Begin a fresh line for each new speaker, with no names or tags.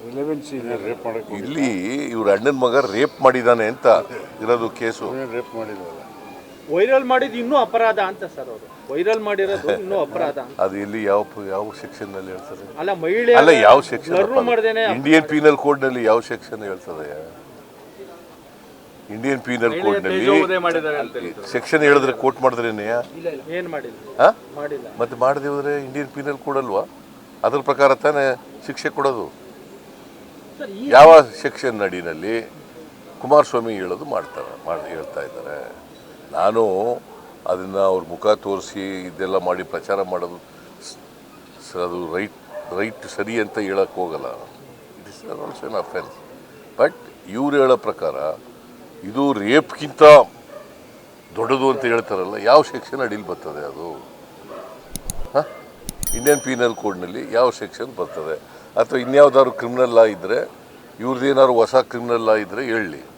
ಇಲ್ಲಿ ಇವ್ರ ಅಣ್ಣನ ಮಗ ರೇಪ್ ಮಾಡಿದಾನೆ ಅಂತ ಇರೋದು ಕೇಸು.
ರೇಪ್ ಮಾಡಿದ್ವಲ್ಲ,
ವೈರಲ್ ಮಾಡಿದ್ದು ಇನ್ನೂ ಅಪರಾಧ ಅಂತ ಸರ್. ಅವರು ವೈರಲ್ ಮಾಡಿರೋದು ಇನ್ನೂ ಅಪರಾಧ.
ಅದು ಇಲ್ಲಿ ಯಾವ ಸೆಕ್ಷನ್ ನಲ್ಲಿ ಹೇಳ್ತಾರೆ?
ಅಲ್ಲ, ಮಹಿಳೆ
ಅಲ್ಲ, ಯಾವ ಸೆಕ್ಷನ್?
ಮಾಡ್ದೇನೆ
ಇಂಡಿಯನ್ ಪೀನಲ್ ಕೋಡ್ ನಲ್ಲಿ ಯಾವ ಸೆಕ್ಷನ್ ಹೇಳ್ತದೆ? ಇಂಡಿಯನ್ ಪೀನಲ್ ಕೋಡ್ ನಲ್ಲಿ ಸೆಕ್ಷನ್ ಹೇಳಿದ್ರೆ ಕೋರ್ಟ್ ಮಾಡಿದ್ರೇನೆ
ಏನ್ ಮಾಡಿಲ್ಲ,
ಮತ್ತೆ ಮಾಡದೆ ಹೋದ್ರೆ ಇಂಡಿಯನ್ ಪೀನಲ್ ಕೋಡ್ ಅಲ್ವಾ? ಅದ್ರ ಪ್ರಕಾರ ತಾನೇ ಶಿಕ್ಷೆ ಕೊಡೋದು. ಯಾವ ಸೆಕ್ಷನ್ ಅಡಿನಲ್ಲಿ ಕುಮಾರಸ್ವಾಮಿ ಹೇಳೋದು ಹೇಳ್ತಾ ಇದ್ದಾರೆ. ನಾನು ಅದನ್ನು ಅವ್ರ ಮುಖ ತೋರಿಸಿ ಇದೆಲ್ಲ ಮಾಡಿ ಪ್ರಚಾರ ಮಾಡೋದು ಅದು ರೈಟ್ ಸರಿ ಅಂತ ಹೇಳಕ್ಕೆ ಹೋಗಲ್ಲ. It is also an offence. But ಇವ್ರು ಹೇಳೋ ಪ್ರಕಾರ ಇದು ರೇಪ್ಗಿಂತ ದೊಡ್ಡದು ಅಂತ ಹೇಳ್ತಾರಲ್ಲ, ಯಾವ ಸೆಕ್ಷನ್ ಅಡಿಲಿ ಬರ್ತದೆ ಅದು? ಇಂಡಿಯನ್ ಪೀನಲ್ ಕೋಡ್ನಲ್ಲಿ ಯಾವ ಸೆಕ್ಷನ್ ಬರ್ತದೆ? ಅಥವಾ ಇನ್ಯಾವುದಾದ್ರು ಕ್ರಿಮಿನಲ್ ಲಾ ಇದ್ದರೆ, ಇವ್ರದ್ದೇನಾದ್ರು ಹೊಸ ಕ್ರಿಮಿನಲ್ ಲಾ ಇದ್ದರೆ ಹೇಳಲಿ.